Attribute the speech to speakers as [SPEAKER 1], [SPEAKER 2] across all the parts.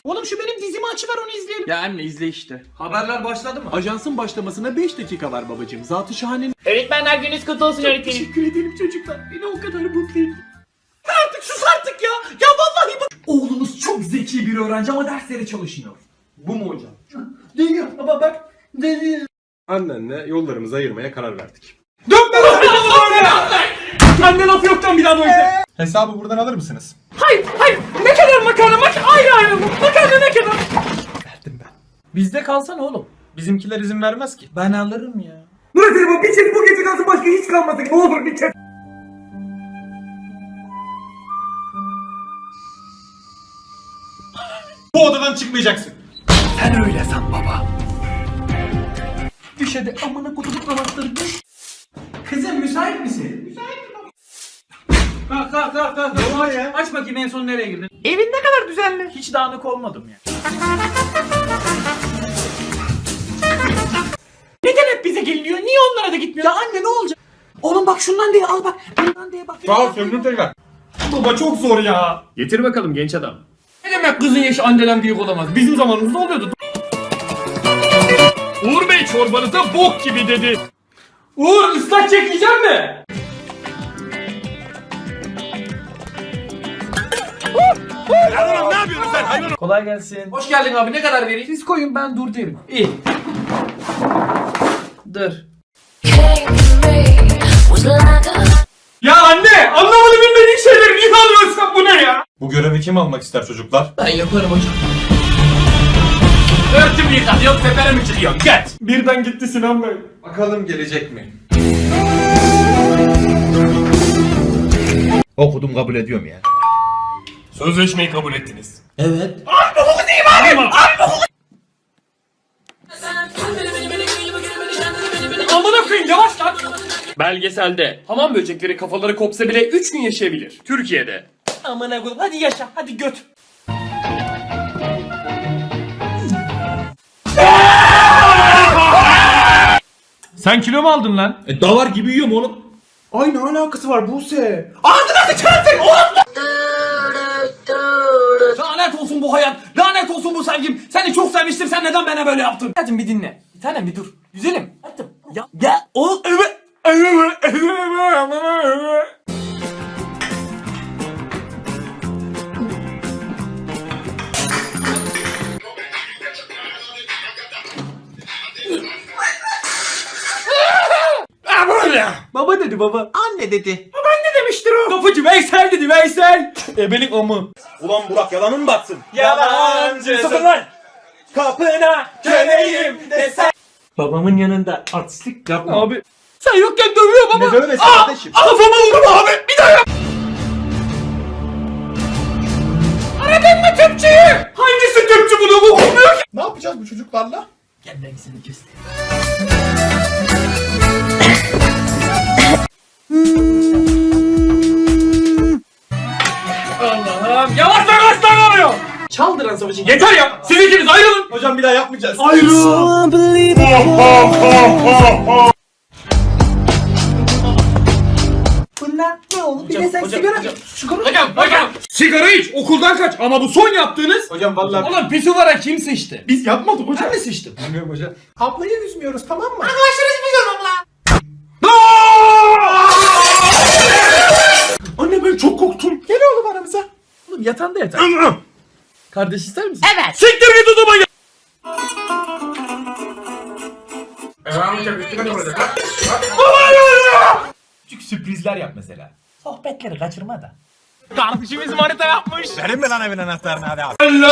[SPEAKER 1] Oğlum şu benim dizimi açıver onu izleyelim.
[SPEAKER 2] Ya anne izle işte.
[SPEAKER 1] Haberler başladı mı?
[SPEAKER 2] Ajansın başlamasına 5 dakika var babacığım. Zat-ı şahanenin...
[SPEAKER 3] Öğretmenler gününüz kutlu olsun öğretmenim.
[SPEAKER 2] Teşekkür ederim çocuklar. Beni o kadar mutlu ettin.
[SPEAKER 1] Artık sus artık ya. Ya vallahi bak. Oğlunuz çok zeki bir öğrenci ama derslere çalışmıyor.
[SPEAKER 2] Bu mu hocam?
[SPEAKER 1] Değil baba bak. Değil.
[SPEAKER 4] Annenle yollarımızı ayırmaya karar verdik.
[SPEAKER 1] Dönme lan böyle. Anne laf yoktan bir daha böyle.
[SPEAKER 4] Hesabı buradan alır mısınız?
[SPEAKER 1] Hayır. Ne kadar makarna ayrı mı? Makarna ne kadar?
[SPEAKER 4] Verdim ben.
[SPEAKER 1] Bizde kalsana oğlum.
[SPEAKER 4] Bizimkiler izin vermez ki.
[SPEAKER 1] Ben alırım ya.
[SPEAKER 5] Murat Ali bir çek bu gece kalsın başka hiç kalmasın. Ne olur bir çek.
[SPEAKER 4] Bu odadan çıkmayacaksın.
[SPEAKER 1] Sen öyle san baba. Düş hadi amına kutuluk namazları düş. Kızım müsait misin? Müsaitim baba. Kalk. Aç bakayım en son nereye girdin?
[SPEAKER 3] Evin ne kadar düzenli.
[SPEAKER 1] Hiç dağınık olmadım ya. Neden hep bize geliniyor? Niye onlara da gitmiyor? Ya anne ne olacak? Oğlum bak şundan diye al bak. Bundan diye bak.
[SPEAKER 4] Sağ ol söndür tekrar.
[SPEAKER 1] Baba çok zor ya.
[SPEAKER 2] Getir bakalım genç adam.
[SPEAKER 1] Ne demek kızın yaşı anneden büyük olamaz? Bizim zamanımızda oluyordu.
[SPEAKER 2] Uğur Bey çorbanıza bok gibi dedi.
[SPEAKER 1] Uğur ıslak çekeceğim mi?
[SPEAKER 4] Ne yapıyorsun sen hayvan?
[SPEAKER 1] Kolay gelsin. Hoş geldin abi. Ne kadar vereyim? Siz koyun ben dur derim. İyi. Dur. Ya anne! Anlamadı bilmediğin şeyleri niye alıyorsun? Bu ne ya?
[SPEAKER 4] Bu görevi kim almak ister çocuklar?
[SPEAKER 1] Ben yaparım hocam.
[SPEAKER 2] Örtümü yıkat yok tepene mi çıkıyorsun? Geç.
[SPEAKER 1] Birden gitti Sinan Bey.
[SPEAKER 4] Bakalım gelecek mi?
[SPEAKER 6] Okudum kabul ediyorum ya.
[SPEAKER 2] Sözleşmeyi kabul ettiniz.
[SPEAKER 1] Amına koyayım yavaş lan.
[SPEAKER 2] Belgeselde hamam böcekleri kafaları kopsa bile 3 gün yaşayabilir. Türkiye'de.
[SPEAKER 1] Amına koyayım hadi yaşa hadi göt.
[SPEAKER 2] Sen kilo mu aldın lan?
[SPEAKER 6] Davar gibi yiyorum oğlum.
[SPEAKER 4] Ay ne alakası var Buse?
[SPEAKER 1] Lanet olsun bu hayat. Lanet olsun bu sevgim. Seni çok sevmiştim. Sen neden bana böyle yaptın? Hadi bir dinle. Bir tanem bir dur. Güzelim. Hadi. Ya o evet. Baba dedi baba.
[SPEAKER 3] Anne dedi.
[SPEAKER 1] Ne demiştir o? Kapıcı Veysel dedi Veysel. Ebelik amı.
[SPEAKER 4] Ulan Burak yalanın mı batsın?
[SPEAKER 1] Yalancı.
[SPEAKER 4] Sakın lan!
[SPEAKER 1] Kapına köleyim desen.
[SPEAKER 5] Babamın yanında artistlik yapma.
[SPEAKER 1] Abi. Sen yokken dövüyor baba.
[SPEAKER 4] Ne dövmesi kardeşim?
[SPEAKER 1] Kafama vurma abi. Bir daha yap. Aradın mı tüpçüyü? Hangisi tüpçü bunu bu olmuyor ki?
[SPEAKER 4] Ne yapacağız bu çocuklarla?
[SPEAKER 1] Gel ben seni göstereyim. Allah'ım yavaş lan oluyor. Çaldıran savaşı yeter ya. Siz ikiniz ayrılın.
[SPEAKER 4] Hocam bir daha yapmayacağız.
[SPEAKER 1] Ayrılın. Bunlar ne oğlum? Bir de sen sigara. Hocam. Sigara iç. Okuldan kaç. Ama bu son yaptığınız.
[SPEAKER 4] Hocam vallahi
[SPEAKER 1] Oğlum pisuvara kim sıçtı?
[SPEAKER 4] biz yapmadık hocam.
[SPEAKER 1] Ben mi sıçtım?
[SPEAKER 4] Bilmiyorum hocam. Ablayı üzmüyoruz tamam mı?
[SPEAKER 1] Anne ben çok korktum. Gel oğlum aramıza. Oğlum yatağında yatar. Kardeş ister misin?
[SPEAKER 3] Evet.
[SPEAKER 1] Siktir git o zaman ya. Küçük sürprizler yap mesela. Sohbetleri kaçırma da.
[SPEAKER 2] Kardeşimiz manita yapmış.
[SPEAKER 6] Verin mi lan evin anahtarını hadi abi.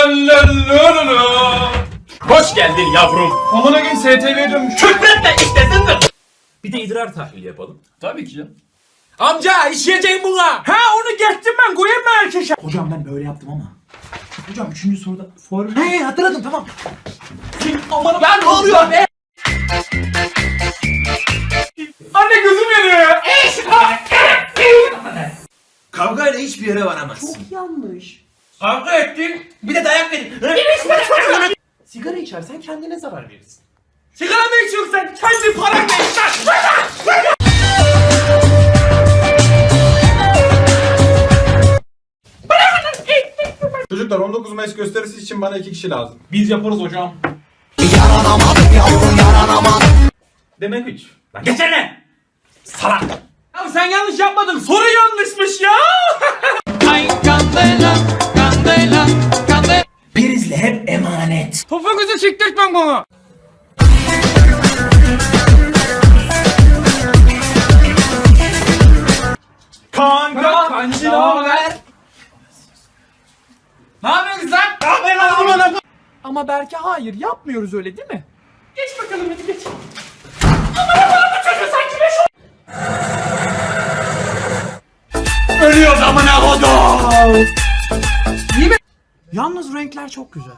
[SPEAKER 2] Hoş geldin yavrum.
[SPEAKER 1] Amına gün STV'ye dönmüş.
[SPEAKER 2] Küfretme istesin de.
[SPEAKER 1] Bir de idrar tahlili yapalım.
[SPEAKER 2] Tabii ki canım.
[SPEAKER 1] Amca işleyeceğim buna. Ha onu geçtim ben koyayım mı erkeşe? Hocam ben böyle yaptım ama. Hocam 3. soruda He hatırladım tamam. Aman ben ne oluyor be? Anne gözüm yanıyor ya.
[SPEAKER 6] Kavgayla hiçbir yere varamazsın.
[SPEAKER 1] Yanlış. Kavga ettin.
[SPEAKER 6] Bir de dayak verin.
[SPEAKER 1] Sigara içersen kendine zarar verirsin. Sigara mı içiyorsun sen? Kendi paranla iç lan.
[SPEAKER 4] Çocuklar Çocuklar 19 Mayıs gösterisi için bana 2 kişi lazım.
[SPEAKER 6] Biz yaparız hocam.
[SPEAKER 1] Demek 3.
[SPEAKER 6] Lan geçene. Salak.
[SPEAKER 1] Ya sen yanlış yapmadın. Soru yanlışmış ya.
[SPEAKER 6] Prizle hep emanet.
[SPEAKER 1] Topuğunuzu siktirtmem bana.
[SPEAKER 6] Kanka.
[SPEAKER 1] Kancı ne haber? Ne yapıyorsunuz lan?
[SPEAKER 3] Ama belki hayır yapmıyoruz öyle değil mi?
[SPEAKER 1] Geç bakalım hadi geç.
[SPEAKER 6] Ölüyoruz amına kodum.
[SPEAKER 3] Yalnız renkler çok güzel.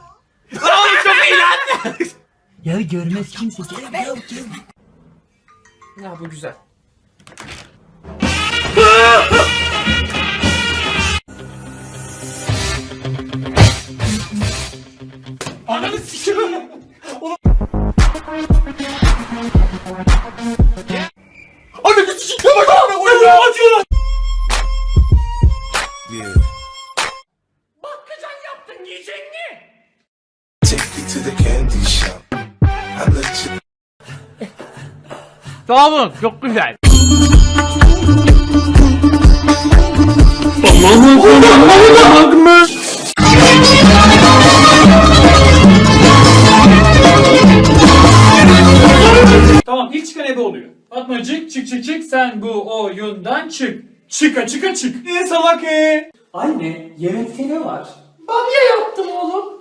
[SPEAKER 1] Ya bu güzel.
[SPEAKER 6] Ananı sikiyorum. Ananı sikiyorum. Bak amına koyayım. Acıyor lan.
[SPEAKER 2] Bakkacan yaptın yiyecek mi?
[SPEAKER 7] Take you to the candy shop. I let you.
[SPEAKER 3] Sağ olun çok güzel.
[SPEAKER 2] Tamam ilk çıkan ebe oluyor. Fatmacık çık çık çık sen bu oyundan çık. Çıka çıka çık.
[SPEAKER 1] Ne salak
[SPEAKER 2] Anne yemekte ne var? Bamya yaptım oğlum.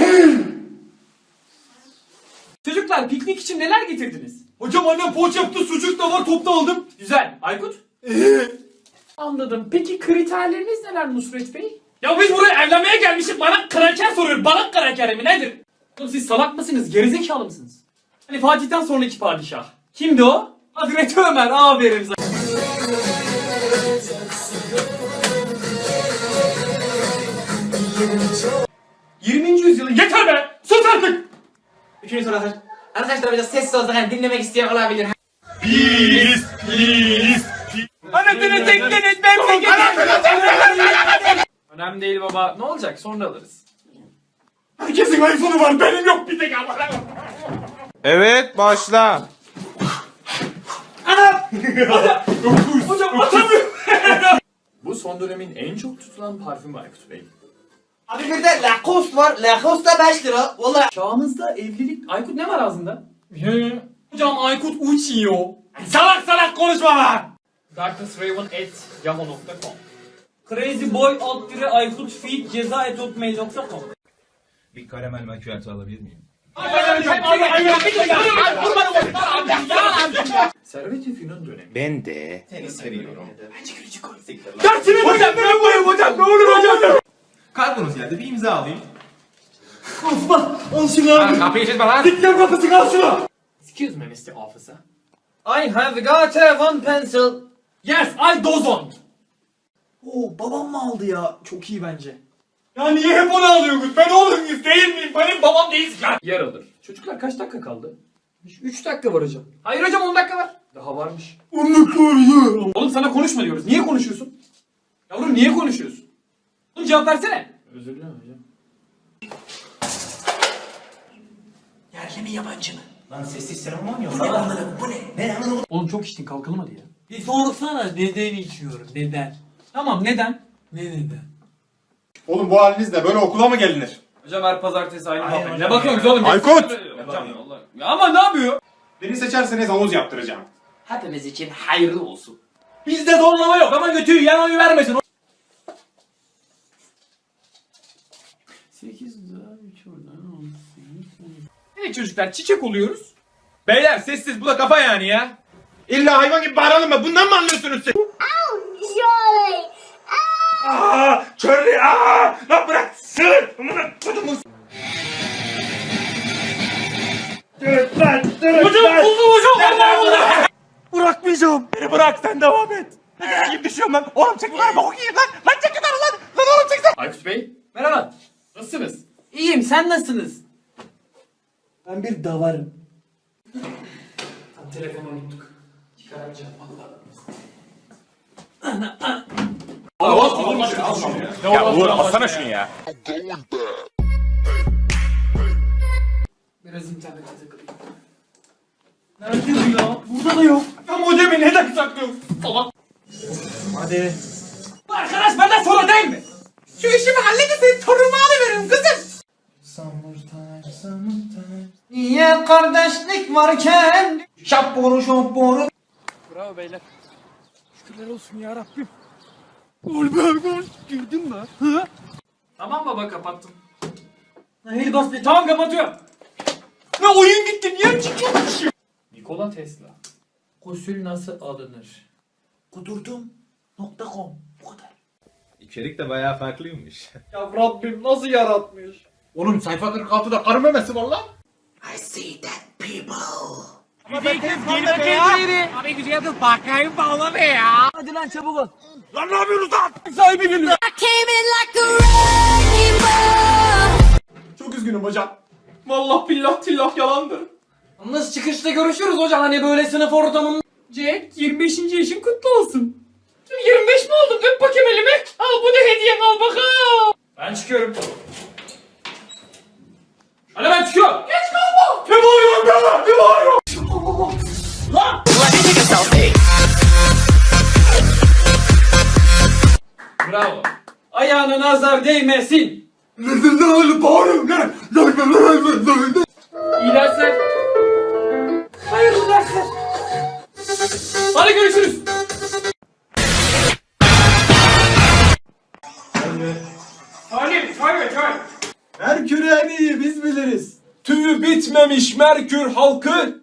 [SPEAKER 1] Çocuklar piknik için neler getirdiniz?
[SPEAKER 6] Hocam annem poğaça yaptı, sucuk da var, topta aldım.
[SPEAKER 2] Güzel. Aykut? Anladım. Peki kriterleriniz neler Nusret Bey? Ya biz buraya evlenmeye gelmişiz. Bana kraker soruyor. Bana kraker mi nedir? Oğlum siz salak mısınız? Gerizekalı mısınız? Hani Fatih'ten sonraki padişah. Kimdi o? Hazreti Ömer. Aferin sana. Yüzyılın yeter be! Sus artık!
[SPEAKER 3] Üçüncü soru arkadaşlar. Arkadaşlar biraz sessiz olsak hani dinlemek isteyen olabilir.
[SPEAKER 1] Anasını tekleniz ben
[SPEAKER 2] Önemli değil baba. Ne olacak? Sonra alırız.
[SPEAKER 6] Herkesin iPhone'u var, benim yok bir tek ama.
[SPEAKER 8] Evet başla.
[SPEAKER 2] Hocam atamıyorum. Bu son dönemin en çok tutulan parfümü Aykut Bey.
[SPEAKER 3] Abi bir de Lacoste var. Lacoste da 5 lira. Valla.
[SPEAKER 2] Çağımızda evlilik... Aykut ne var ağzında? Hocam Aykut uçuyor. Salak konuşma lan! darknessraven@yahoo.com Crazyboy Aykut feed ceza@hotmail.com
[SPEAKER 6] Bir karamel makyajı alabilir miyim?
[SPEAKER 2] Servet-i Fünun dönemi.
[SPEAKER 8] Ben de.
[SPEAKER 6] Hocam ben koyayım hocam, ne olur hocam. Kargonuz geldi, bir imza alayım.
[SPEAKER 8] Kapıyı çizme lan.
[SPEAKER 6] Dikkat kapısını al şunu.
[SPEAKER 2] Excuse me Mr. Officer.
[SPEAKER 1] I have got a one pencil.
[SPEAKER 2] Yes, I dozon.
[SPEAKER 1] Oo babam mı aldı ya? Çok iyi bence.
[SPEAKER 6] Ya niye hep onu alıyorsunuz? Ben oğlunuz değil miyim? Benim babam değilsin ya.
[SPEAKER 2] Yer alır. Çocuklar kaç dakika kaldı?
[SPEAKER 1] 3 dakika var hocam.
[SPEAKER 2] Hayır hocam 10 dakika var. Daha varmış. 10 dakika var ya. Oğlum sana konuşma diyoruz. Niye konuşuyorsun? Yavrum niye konuşuyorsun? Oğlum cevap versene. Özür dilerim hocam.
[SPEAKER 3] Yerli mi yabancı mı? Lan sessiz seremon yok. Bu ne anladım bu ne? Ne anladım?
[SPEAKER 2] Oğlum çok içtin kalkalım hadi ya.
[SPEAKER 1] Bir sorsana neden içiyorum? Neden?
[SPEAKER 2] Tamam neden?
[SPEAKER 1] Ne neden?
[SPEAKER 4] Oğlum bu halinizle böyle okula mı gelinir?
[SPEAKER 1] Hocam her pazartesi aynı muhabbet.
[SPEAKER 2] Ne bakıyorsunuz oğlum?
[SPEAKER 4] Aykut!
[SPEAKER 2] Hocam Allah. Ya ama ne yapıyor?
[SPEAKER 4] Beni seçerseniz havuz yaptıracağım.
[SPEAKER 3] Hepimiz için hayırlı olsun.
[SPEAKER 1] Bizde zorlama yok ama götüyü yan oyu vermesin.
[SPEAKER 2] 8 daha 3 oradan 18. Evet çocuklar çiçek oluyoruz.
[SPEAKER 6] Beyler sessiz, bu da kafa yani ya.
[SPEAKER 4] İlla hayvan gibi bağıralım mı? Bundan mı anlıyorsunuz siz?
[SPEAKER 9] Surely.
[SPEAKER 6] Aaa! Charlie! Aaa! Lan bırak! Sığır! Amına kodumun!
[SPEAKER 2] Hocam buldum hocam. Allah.
[SPEAKER 6] Bırakmayacağım! Beni bırak, sen devam et! Ne gibi düşüyorum lan? Oğlum çek yukarı, bok yiyeyim lan! Lan çek yukarı lan! Lan oğlum çek sen!
[SPEAKER 2] Aykut Bey
[SPEAKER 1] Merhaba.
[SPEAKER 2] nasılsınız?
[SPEAKER 1] İyiyim sen nasılsınız? Ben bir davarım.
[SPEAKER 2] Telefonu unuttuk. Çıkaracağım valla.
[SPEAKER 8] Ya Uğur alsana şunu ya.
[SPEAKER 2] Biraz internete takılayım. Nerede bu ya? Burada da yok.
[SPEAKER 1] Ya modemi neden saklıyorsun?
[SPEAKER 2] Salak.
[SPEAKER 1] Hadi.
[SPEAKER 2] Bu arkadaş benden sonra değil mi?
[SPEAKER 1] Şu işimi halledin senin torunumu alıveririm kızım. Niye kardeşlik varken şapboru şapboru.
[SPEAKER 2] Bravo beyler. Şükürler olsun ya Rabbim. Girdin mi? Hı? Tamam baba kapattım.
[SPEAKER 1] Hayır bas be.
[SPEAKER 2] Tamam kapatıyorum.
[SPEAKER 1] Ne oyun gitti niye çıkıyormuş?
[SPEAKER 2] Nikola Tesla. Gusül nasıl alınır?
[SPEAKER 1] Kudurdum.com bu kadar.
[SPEAKER 8] İçerik de bayağı farklıymış.
[SPEAKER 1] Ya Rabbim nasıl yaratmış?
[SPEAKER 4] Oğlum sayfa 46'da karı memesi var lan.
[SPEAKER 1] I see that people.
[SPEAKER 9] I came in like a wrecking ball.
[SPEAKER 4] Çok üzgünüm hocam.
[SPEAKER 2] Vallahi billah tillah yalandır.
[SPEAKER 1] Yalnız çıkışta görüşürüz hocam hani böyle sınıf ortamında.
[SPEAKER 2] Jack 25. yaşın kutlu olsun. 25 mi oldun? Öp bakayım elimi. Al bu da hediyen al bakalım. Ben çıkıyorum. Hadi ben çıkıyorum. Geç kalma. Ne bağırıyorsun be? Ne bağırıyorsun? Lan! Bravo. Ayağına nazar değmesin. İyi dersler. Hayırlı dersler. Hadi görüşürüz. Çay.
[SPEAKER 4] Merkür en iyi biz biliriz. Tüyü bitmemiş Merkür halkı.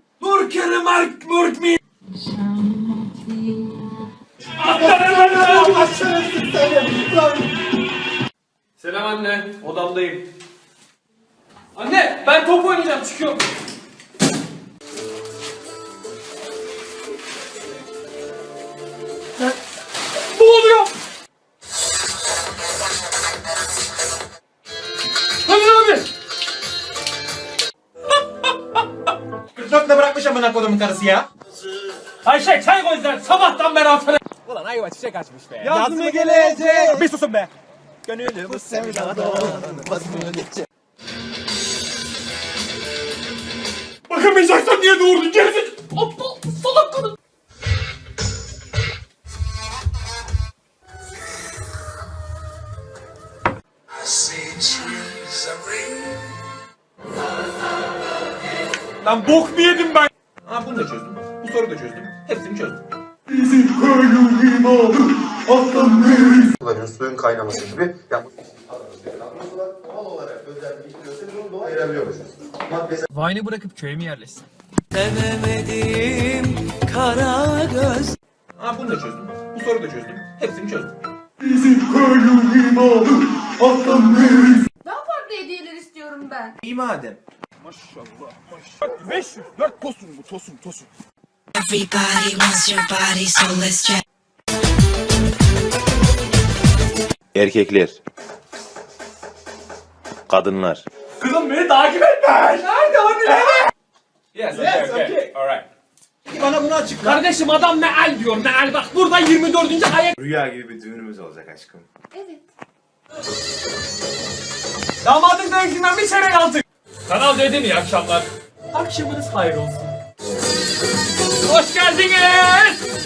[SPEAKER 2] Selam anne. Odamdayım. Anne ben top oynayacağım çıkıyorum. Ne oluyor? Hadi abi.
[SPEAKER 4] 44'le bırakmış amına kodumun karısı ya.
[SPEAKER 2] Ayşe çay koy sen sabahtan beri altına.
[SPEAKER 4] Yaz mı gelecek?
[SPEAKER 6] Bir susun be.
[SPEAKER 2] Bakamayacaksan niye doğurdun gerizekalı? Aptal salak kadın.
[SPEAKER 4] Lan bok mu yedim ben? Ha bunu da çözdüm. Bu soruyu da çözdüm. Hepsini çözdüm.
[SPEAKER 7] kullanıyoruz suyun kaynaması gibi. Yani doğal olarak özelleştiriyorsa biz onu doğaya ayırabiliyoruz.
[SPEAKER 2] Vine'ı bırakıp köye mi yerleşsin?
[SPEAKER 4] Ha bunu da çözdüm. Bu soruyu da çözdüm. Hepsini çözdüm.
[SPEAKER 9] Daha farklı hediyeler istiyorum ben.
[SPEAKER 4] İyi madem.
[SPEAKER 6] 504 tosun bu tosun.
[SPEAKER 9] Everybody wants your body, so let's check.
[SPEAKER 8] Erkekler. Kadınlar.
[SPEAKER 2] Kızım beni takip etme. Nerede hani nerede?
[SPEAKER 4] Yes, okay.
[SPEAKER 8] Alright.
[SPEAKER 4] Bana bunu açıkla.
[SPEAKER 2] Kardeşim adam meal diyor meal bak burada 24. ayak.
[SPEAKER 8] Rüya gibi bir düğünümüz olacak aşkım.
[SPEAKER 9] Evet.
[SPEAKER 2] Damadın dövüşünden bir çeyrek aldık. Kanal dedim iyi akşamlar. Akşamınız hayır olsun. Hoş geldiniz.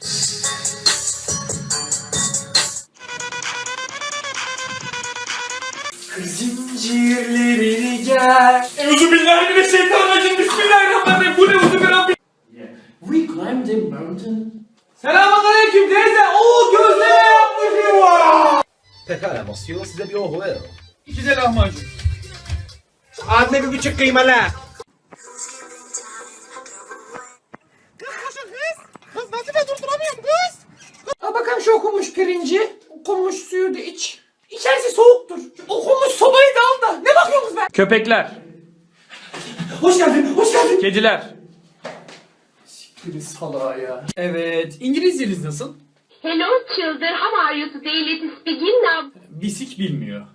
[SPEAKER 1] Zincirlerini gel.
[SPEAKER 2] Euzubillahimineşşeytanirracim. Bismillahirrahmanirrahim. Bu ne uzubillahirrahmanirrahim. We climbed a mountain. Selamünaleyküm teyze. Oo gözleme yapmışım var.
[SPEAKER 3] Pekala Monsieur, size bir ohu ver.
[SPEAKER 2] İki de lahmacun.
[SPEAKER 4] Anne bir buçuk kıymalı.
[SPEAKER 2] Al bakalım şu okunmuş pirinci. Okunmuş suyu da iç. İçerisi soğuktur. Okunmuş sobayı da al da. Ne bakıyorsunuz be? Köpekler.
[SPEAKER 1] Hoş geldin, hoş geldin.
[SPEAKER 2] Kediler. Siktir salağa ya. Evet. İngilizceniz nasıl?
[SPEAKER 9] Hello children, how are you today? Let's begin now.
[SPEAKER 2] Bisik bilmiyor.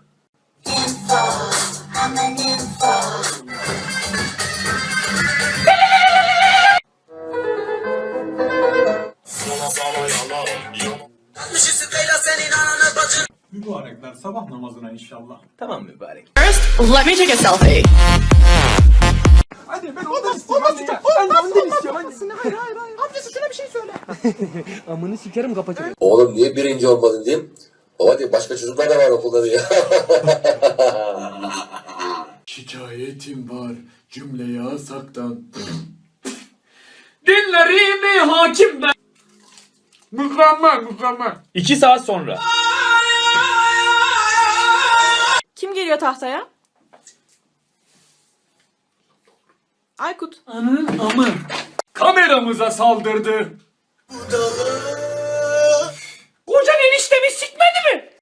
[SPEAKER 5] Senin ananı
[SPEAKER 4] Mübarekler sabah namazına inşallah.
[SPEAKER 8] Tamam mübarek.
[SPEAKER 9] Let me take a selfie.
[SPEAKER 4] Hadi ben ondan istiyorum. Ben ondan istiyorum. Hayır. Amcası şuna bir şey söyle.
[SPEAKER 7] Oğlum niye birinci olmadın diyeyim. Baba diye başka çocuklar da var okulda diye.
[SPEAKER 4] Şikayetim var. Cümleyi asaktan.
[SPEAKER 2] Dinlerimi hakim ben. Mükemmel. 2 saat sonra.
[SPEAKER 10] Kim geliyor tahtaya? Aykut.
[SPEAKER 2] Anın amı. Kameramıza saldırdı. Kocan eniştemi sikme.